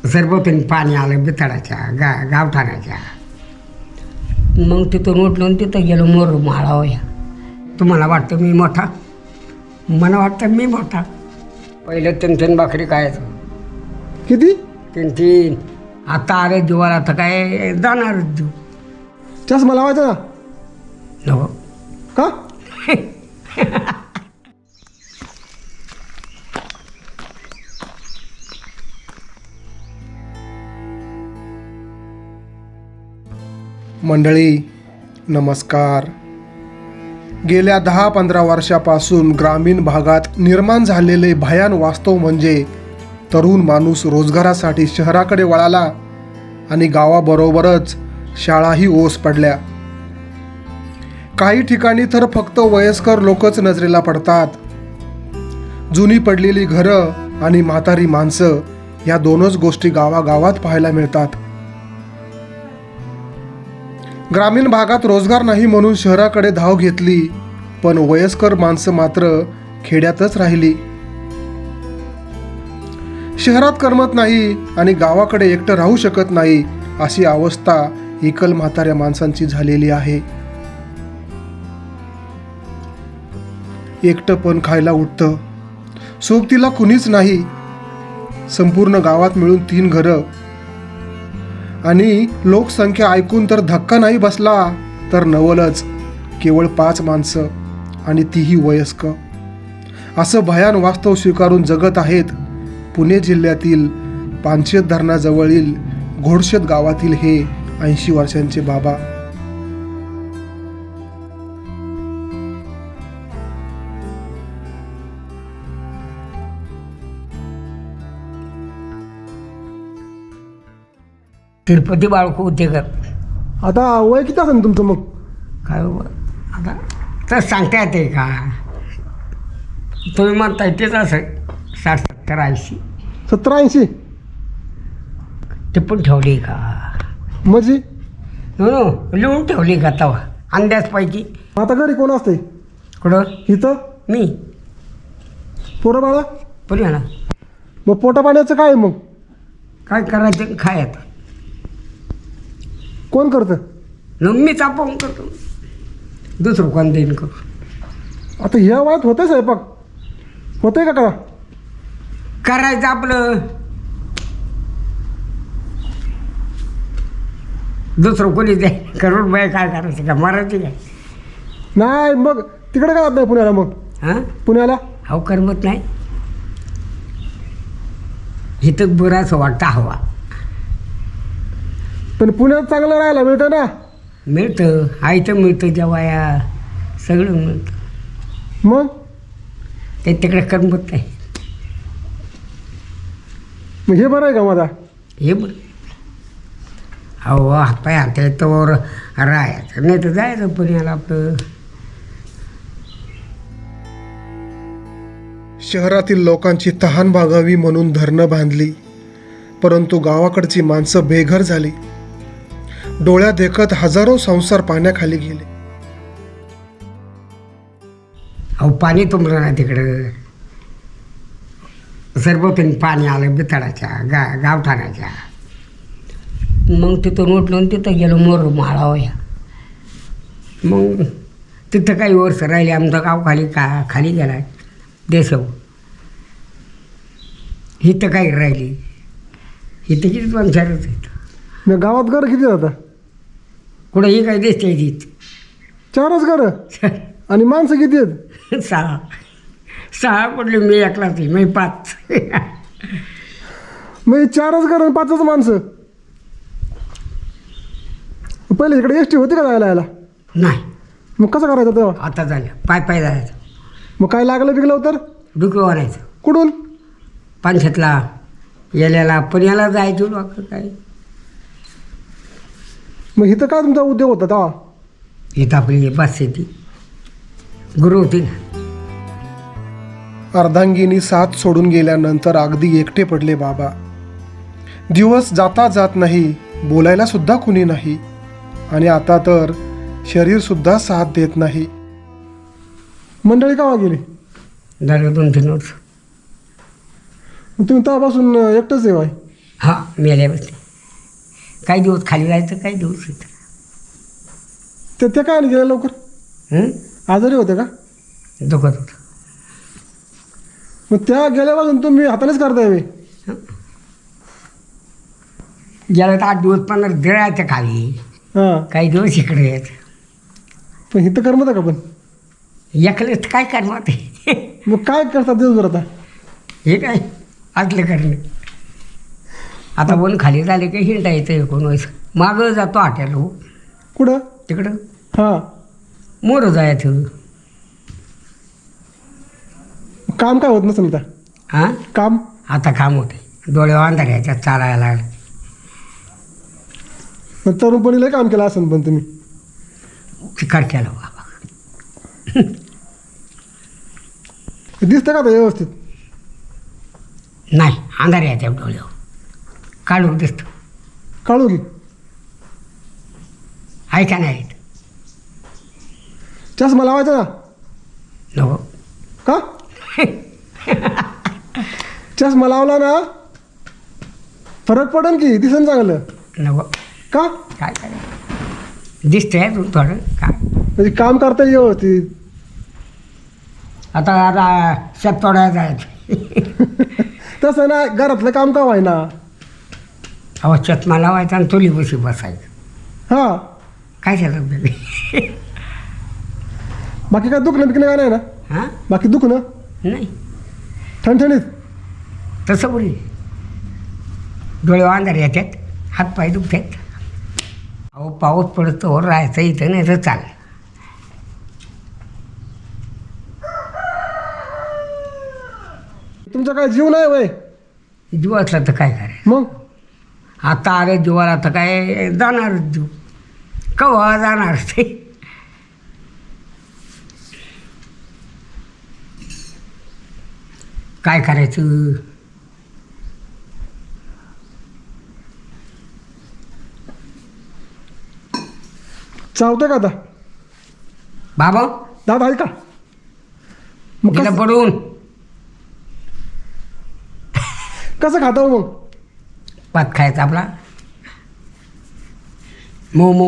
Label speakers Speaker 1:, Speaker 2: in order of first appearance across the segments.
Speaker 1: सरभोवतानी पाणी आलं बिथाडाच्या गावठाणाच्या. मग तिथून उठलो आणि तिथं गेलो मोर माळावया. तुम्हाला वाटतं मी मोठा, मला वाटतं मी मोठा. पहिलं 3-3 भाकरी खायचो.
Speaker 2: किती?
Speaker 1: 3-3. आता आले जीवाला, आता काय जाणारच जीव.
Speaker 2: चष्मा लावायचा ना?
Speaker 1: नको.
Speaker 2: का?
Speaker 3: मंडळी नमस्कार. गेल्या 10-15 वर्षापासून ग्रामीण भागात निर्माण झालेले भयान वास्तव म्हणजे तरुण माणूस रोजगारासाठी शहराकडे वळाला आणि गावाबरोबरच शाळाही ओस पडल्या. काही ठिकाणी तर फक्त वयस्कर लोकच नजरेला पडतात. जुनी पडलेली घरं आणि म्हातारी माणसं या दोनच गोष्टी गावागावात पाहायला मिळतात. ग्रामीण भागात रोजगार नाही म्हणून शहराकडे धाव घेतली, पण वयस्कर माणसं मात्र खेड्यातच राहिली. शहरात करमत नाही आणि गावाकडे एकटं राहू शकत नाही अशी अवस्था एकल म्हाताऱ्या माणसांची झालेली आहे. एकटं पण खायला उठतं, सोबतीला कुणीच नाही. संपूर्ण गावात मिळून 3 घरं आणि लोकसंख्या ऐकून तर धक्का नाही बसला तर नवलच. केवळ 5 माणसं आणि तीही वयस्क. असं भयान वास्तव स्वीकारून जगत आहेत पुणे जिल्ह्यातील पानशेत धरणाजवळील घोडशेत गावातील हे 80 वर्षांचे बाबा.
Speaker 1: तिरुपती बाळकू होते का?
Speaker 2: आता वय किती असेल तुमचं मग?
Speaker 1: काय बाबा, आता तर सांगता येते का? तुम्ही म्हणताय तेच असं 60-70-80.
Speaker 2: 70-80?
Speaker 1: ते पण ठेवली का?
Speaker 2: म्हणजे
Speaker 1: नो लिहून ठेवली का तवा अंदाजपैकी?
Speaker 2: आता घरी कोण असते?
Speaker 1: कुठं?
Speaker 2: इथं
Speaker 1: मी
Speaker 2: पोरं बाळा.
Speaker 1: बोलूया ना.
Speaker 2: मग पोटा पाण्याचं काय मग?
Speaker 1: काय करायचं खायचं.
Speaker 2: कोण करतं?
Speaker 1: मीच आपण करतो, दुसरं कोण देईन करू.
Speaker 2: आता ह्या वयात होतंय स्वयंपाक? होतंय का?
Speaker 1: करायचं आपलं, दुसरं कोणी दे करून बाय. काय करायचं का, मारायची काय?
Speaker 2: नाही मग तिकडे काय नाही पुण्याला? मग
Speaker 1: हां
Speaker 2: पुण्याला
Speaker 1: हो करमत नाही. इथं बरंच वाटतं हवा.
Speaker 2: पण पुण्यात चांगलं राहायला मिळतं ना?
Speaker 1: मिळतं, आयतं मिळतं, जेवाया सगळं मिळतं.
Speaker 2: मग
Speaker 1: ते तिकडे करमत नाही.
Speaker 2: मग हे बरं आहे का माझा?
Speaker 1: हे बरं. हो हातपाय हात येतोवर राहायचं, नाही तर जायचं पुण्याला आपलं.
Speaker 3: शहरातील लोकांची तहान भागावी म्हणून धरणं बांधली, परंतु गावाकडची माणसं बेघर झाली. डोळ्यात देखत हजारो संसार पाण्याखाली गेले.
Speaker 1: अहो पाणी तुंबलं ना तिकडं. सरभोवतानी पाणी आलं बिथाडाच्या गावठाणाच्या. मग तिथून उठलो आणि तिथं गेलो मोर माळावया. मग तिथं काही वर्ष राहिले. आमचं गाव खाली गेला देशव. इथं काही राहिली, इथं किती पंचायतच आहेत.
Speaker 2: मग गावात घर किती जातं?
Speaker 1: कुठं ही काही देश आहे
Speaker 2: 4च घरं आणि माणसं किती आहेत?
Speaker 1: 6 पडले. मी एकलाच आहे, मी 5.
Speaker 2: मग 4च घरं आणि 5च माणसं. पहिले इकडे एस टी होती का जायला यायला?
Speaker 1: नाही,
Speaker 2: मग कसं करायचं तेव्हा?
Speaker 1: आता झालं पाय जायचं.
Speaker 2: मग काय लागलं बिगलं तर
Speaker 1: डुकं वाढायचं.
Speaker 2: कुठून?
Speaker 1: पानशेतला येल्याला पुण्याला जायचं लोक काय.
Speaker 2: मग इथं काय तुमचा उद्योग होता तेव्हा?
Speaker 1: इथं आपली बस शेती गुरु होती ना.
Speaker 3: अर्धांगिनी साथ सोडून गेल्यानंतर अगदी एकटे पडले बाबा. दिवस जाता जात नाही, बोलायला सुद्धा कुणी नाही आणि आता तर शरीर सुद्धा साथ देत नाही.
Speaker 2: मंडळी केव्हा गेली?
Speaker 1: झालं 2-3 वर्ष.
Speaker 2: मग तुम्ही तेव्हापासून एकटंच आहे बाई?
Speaker 1: हां मेल्या बसते काही दिवस खाली जायचं काही दिवस इथं
Speaker 2: ते काय नाही गेले लवकर
Speaker 1: हं?
Speaker 2: आजारी होते का
Speaker 1: दुखत होतं
Speaker 2: मग त्या गेल्यापासून तुम्ही हातानेच करताय मी
Speaker 1: गेलं तर 8 दिवस 15 दिळायचं खाली
Speaker 2: हां
Speaker 1: काही दिवस इकडे यायचं
Speaker 2: पण इथं करमत का पण
Speaker 1: एकलेच तर काय करणार ते
Speaker 2: मग काय करतात दिवसभर आता
Speaker 1: हे काय असलं करणं आता वन खाली झाले की हिंडा येतं 19 मागं जातो हॉटेल
Speaker 2: कुठं
Speaker 1: तिकडं
Speaker 2: हां
Speaker 1: मोरं जायचं
Speaker 2: काम काय होत नसेल आता
Speaker 1: हां
Speaker 2: काम
Speaker 1: आता काम होते डोळे अंधार याच्यात चालायला लागले
Speaker 2: मग तरुणपणीला काम केलं असेल पण तुम्ही
Speaker 1: चिकार केला बाबा
Speaker 2: दिसतं का आता व्यवस्थित
Speaker 1: नाही अंधार याच्या डोळ्यावर काढून दिसतं
Speaker 2: काढू की
Speaker 1: आहे का नाही
Speaker 2: चष्मा लावायचा ना
Speaker 1: नको
Speaker 2: का चष्मा लावला ना फरक पडेल की दिसन चांगलं
Speaker 1: नको
Speaker 2: का
Speaker 1: काय करायचं दिसतंय अजून थोडं काय
Speaker 2: म्हणजे काम करता येईल व्यवस्थित
Speaker 1: आता शेततोड्या जायचं
Speaker 2: तसं ना घरातलं काम का व्हायना
Speaker 1: अहो चष्मा लावायचा आणि चुली बशी बसायचं
Speaker 2: हां
Speaker 1: काय झालं
Speaker 2: बाकी काय दुखणं बिकणं काय नाही ना
Speaker 1: हां
Speaker 2: बाकी दुखणं
Speaker 1: नाही
Speaker 2: ठणठणीत
Speaker 1: तसं बोली डोळे अंधार येतात हातपाय दुखतात अहो पाऊस पडतो हो राहायचं इथं नाही तर चाल
Speaker 2: तुमचा काय जीव नाही वय
Speaker 1: जीव असला तर काय करायचं
Speaker 2: मग
Speaker 1: आता अरे जीवाला तर काय जाणारच जीव कवा जाणार ते काय करायचं
Speaker 2: चावतं का आता
Speaker 1: बाबा
Speaker 2: दात आहे का मग
Speaker 1: गेलं पडून
Speaker 2: कसं खाता हो मग
Speaker 1: भात खायचा आपला मोमो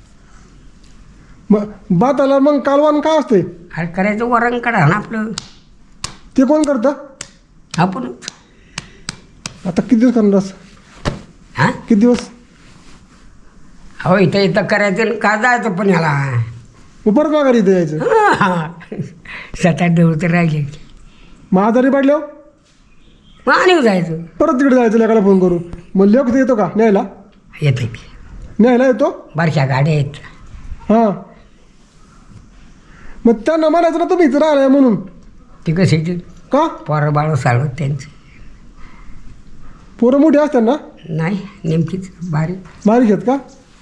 Speaker 2: मग बात आला मग कालवान काय असते
Speaker 1: अरे करायचं वरण काढा ना आपलं
Speaker 2: ते कोण करतं
Speaker 1: आपण
Speaker 2: आता किती दिवस करणार असं?
Speaker 1: हां
Speaker 2: किती दिवस
Speaker 1: हो इथं इथं करायचं आणि का जायचं पण याला
Speaker 2: मग परत माघारी इथे यायचं
Speaker 1: 7-8 दिवस तर राहिले
Speaker 2: मग आजारी पडल्यावर
Speaker 1: मग आणि जायचं
Speaker 2: परत तिकडे जायचं लेकाला फोन करू मग लेख तिथे येतो का न्यायला
Speaker 1: येते
Speaker 2: न्यायला येतो
Speaker 1: बारशा गाड्या आहेत
Speaker 2: हां मग त्यांना म्हणायचं ना तुम्ही इथं राहिलाय म्हणून
Speaker 1: ती कशी
Speaker 2: का
Speaker 1: पोरं बाळ चालवत त्यांचं
Speaker 2: पोरं मोठी असतात ना
Speaker 1: नाही नेमकीच बारीक
Speaker 2: बारीक आहेत का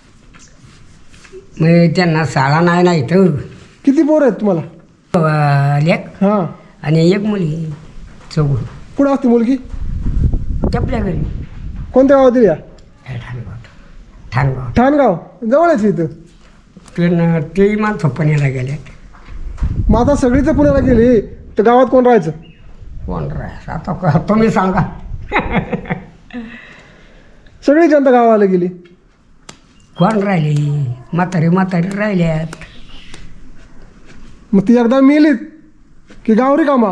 Speaker 1: मग त्यांना शाळा नाही ना इथं
Speaker 2: किती पोरं आहेत तुम्हाला
Speaker 1: लेक
Speaker 2: हां
Speaker 1: आणि एक मुली चौघ
Speaker 2: कुठं असते मुलगी
Speaker 1: आपल्या घरी
Speaker 2: कोणत्या गावात या
Speaker 1: ठाणगाव
Speaker 2: ठाणगाव जवळच इथं
Speaker 1: ते माणसं पुण्याला गेल्यात
Speaker 2: मग आता सगळीच पुण्याला गेली तर गावात कोण राहायचं
Speaker 1: कोण राहायचं आता तुम्ही सांगा
Speaker 2: सगळी जनता गावाला गेली
Speaker 1: कोण राहिली म्हातारी राहिल्यात
Speaker 2: मग ती एकदा मिलीत की गाव रिकामा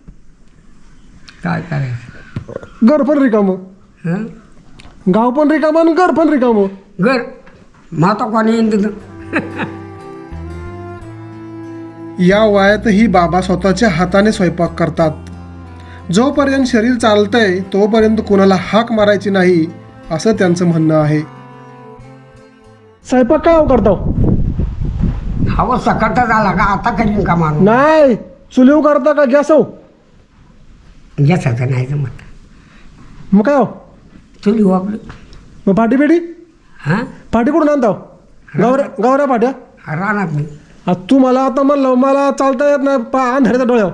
Speaker 1: काय करायचं
Speaker 2: घर पण रिकामं
Speaker 1: हं
Speaker 2: गाव पण रिकामं आणि घर पण रिकामं
Speaker 1: घर माता कोणी येईन तिथं
Speaker 3: या वयातही बाबा स्वतःच्या हाताने स्वयंपाक करतात. जोपर्यंत शरीर चालतंय तोपर्यंत कोणाला हाक मारायची नाही असं त्यांचं म्हणणं आहे.
Speaker 2: स्वयंपाक काय करतो
Speaker 1: हवं सकाळचा झाला का आता करीन का माणूस
Speaker 2: नाही चुलीव करता का गॅसव
Speaker 1: गॅसाचं नाही जमत
Speaker 2: मग काय हो
Speaker 1: चुली आपलं
Speaker 2: मग पाठी पेटी
Speaker 1: हां
Speaker 2: पाठी कुठून आणता गावऱ्या पाट्या
Speaker 1: राहणार नाही
Speaker 2: आता तू मला आता म्हणलं मला चालता येत नाही अंधाऱ्याच्या डोळ्यावर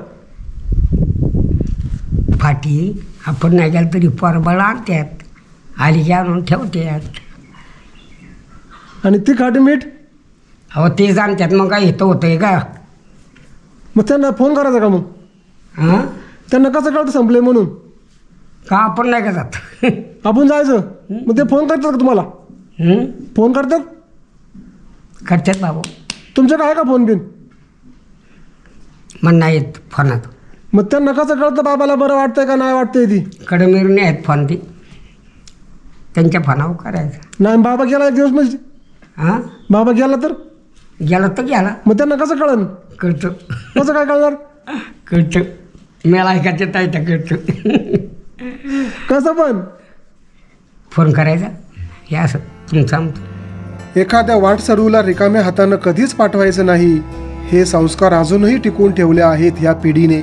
Speaker 1: फाटी आपण नाही गेलं तरी परबळ आणतात आली की आणून ठेवतात
Speaker 2: आणि ती खाटी मीठ
Speaker 1: अहो ते जाणतात मग काय येतं होतंय का
Speaker 2: मग त्यांना फोन करायचा का मग
Speaker 1: हां
Speaker 2: त्यांना कसं कळतं संपले म्हणून
Speaker 1: का आपण नाही का जात?
Speaker 2: आपण जायचं. मग ते फोन करतात का तुम्हाला?
Speaker 1: हं?
Speaker 2: फोन करतात?
Speaker 1: करतात बाबू.
Speaker 2: तुमच्याकडे आहे का फोन बिन?
Speaker 1: मग नाही येत फोनात.
Speaker 2: मग त्यांना कसं कळतं बाबाला बरं वाटतंय का नाही वाटतंय ती?
Speaker 1: कडे मिरून आहेत फोन ती. त्यांच्या फोनावर करायचं.
Speaker 2: नाही बाबा गेला एक दिवस म्हणजे
Speaker 1: हां,
Speaker 2: बाबा गेला तर
Speaker 1: गेला तर गेला.
Speaker 2: मग त्यांना कसं कळन?
Speaker 1: कळतं.
Speaker 2: कसं काय कळणार?
Speaker 1: कळतं. मला ऐकायचं आहे तर कळतं.
Speaker 2: कसं पण?
Speaker 1: फोन करायचा हे असं तुमचं आमचं.
Speaker 3: एखाद्या वाटसरूला रिकाम्या हातानं कधीच पाठवायचं नाही, हे संस्कार अजूनही टिकून ठेवले आहेत ह्या पिढीने.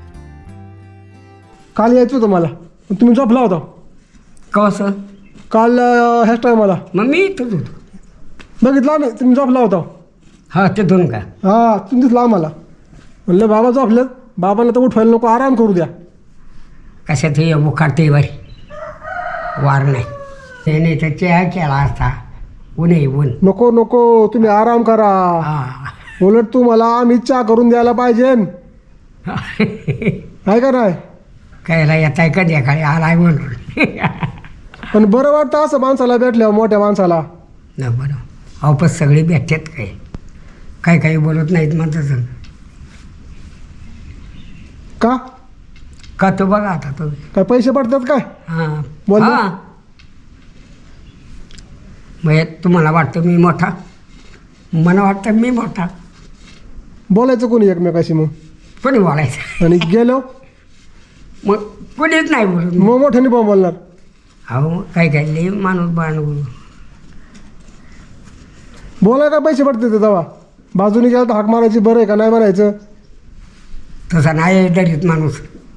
Speaker 2: काल यायचं होतं मला, पण तुम्ही झोपला होता.
Speaker 1: कसं?
Speaker 2: काल ह्याच टायमाला
Speaker 1: मग मी इथंच होतो.
Speaker 2: बघितला नाही, तुम्ही झोपला होता.
Speaker 1: हा ते दोन का?
Speaker 2: हां, तुम्ही दिसला आम्हाला. म्हणलं बाबा झोपलेत, बाबांना तर उठवायला नको, आराम करू द्या.
Speaker 1: कशात हे बुखारते बारी वार नाही. ते नाही तर चहा केला असता. ऊन आहे ऊन.
Speaker 2: नको नको, तुम्ही आराम करा.
Speaker 1: हा.
Speaker 2: उलट तुम्हाला आम्ही चहा करून द्यायला पाहिजे, आहे का नाही?
Speaker 1: कायला येत आहे कधी खाली आलाय म्हणून.
Speaker 2: पण बरं वाटतं असं माणसाला भेटल्यावर, मोठ्या माणसाला.
Speaker 1: ना बरं. अहो पण सगळे भेटतात काय काही बोलत नाहीत म्हणतात.
Speaker 2: का
Speaker 1: का तो बघा आता तुम्ही.
Speaker 2: काय पैसे पडतात काय?
Speaker 1: हां
Speaker 2: बोल ना.
Speaker 1: हां. मग तुम्हाला वाटतं मी मोठा, मला वाटतं मी मोठा.
Speaker 2: बोलायचं कोणी एकमेकाशी मग?
Speaker 1: कोणी बोलायचं?
Speaker 2: आणि गेलो
Speaker 1: मग कोणीच नाही बोलत.
Speaker 2: मग मोठ्याने पण बोलणार.
Speaker 1: अहो काय लई माणूस बाणू.
Speaker 2: बोलाय काय पैसे पडते ते तेव्हा? बाजूने गेला तर हाक मारायची, बरं आहे का नाही म्हणायचं.
Speaker 1: तसा नाही दरीत माणूस.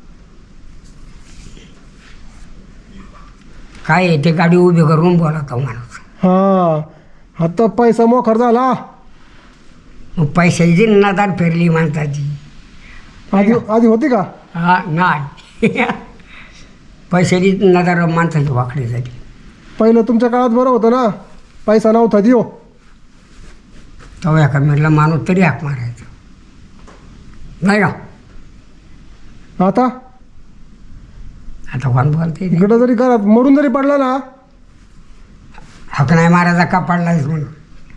Speaker 1: काय आहे ते गाडी उभी करून बोलतो माणूस.
Speaker 2: हां, आता पैसा मोखर झाला.
Speaker 1: मग पैशाची नदार फिरली माणसाची.
Speaker 2: आधी होती का?
Speaker 1: हा नाही. पैशाची नदार माणसाची वाकडी झाली.
Speaker 2: पहिलं तुमच्या काळात बरं होतं ना, पैसा नव्हता दियो.
Speaker 1: तो एका मिळला माणूस तरी हाक मारायचा नाही का?
Speaker 2: आता
Speaker 1: आता कोण बोलते ते?
Speaker 2: इकडं जरी घरात मरून जरी पडला ना,
Speaker 1: हाक नाही मारायचा का पडलायस म्हणून.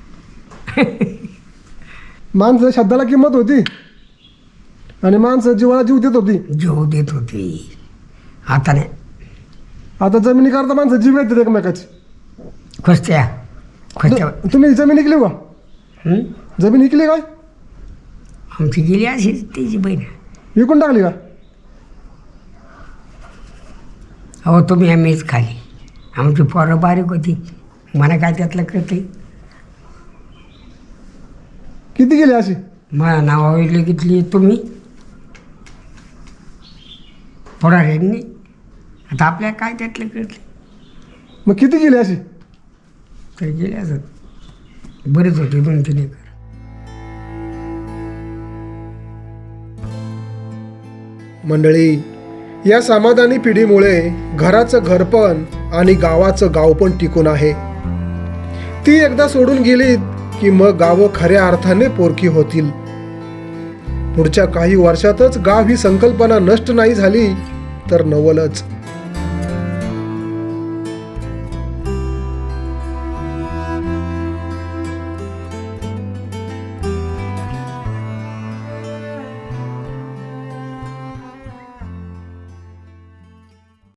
Speaker 2: माणसं शब्दाला किंमत होती आणि माणसं जीवाला जीव देत होती.
Speaker 1: जीव देत होती. आता नाही.
Speaker 2: आता जमिनी करता माणसं जीव येतात एकमेकाची.
Speaker 1: खोजत्या
Speaker 2: तुम्ही जमीन इकली का?
Speaker 1: हं?
Speaker 2: जमीन इकली काय?
Speaker 1: आमची गेली अशी तिची बहीण.
Speaker 2: विकून टाकली का?
Speaker 1: अहो तुम्ही आम्हीच खाली. आमची पोरं बारीक होती. मला काय त्यातलं कळते.
Speaker 2: किती गेली अशी?
Speaker 1: मला नावावली घेतली तुम्ही पोराऱ्यांनी. आता आपल्याला काय त्यातलं कळते.
Speaker 2: मग किती गेली अशी?
Speaker 1: तर गेले असत. बरेच होते 2-3 एकर.
Speaker 3: मंडळी, या समाधानी पिढीमुळे घराचं घरपण आणि गावाचं गाव पण टिकून आहे. ती एकदा सोडून गेलीत की मग गावं खऱ्या अर्थाने पोरकी होतील. पुढच्या काही वर्षातच गाव ही संकल्पना नष्ट नाही झाली तर नवलच.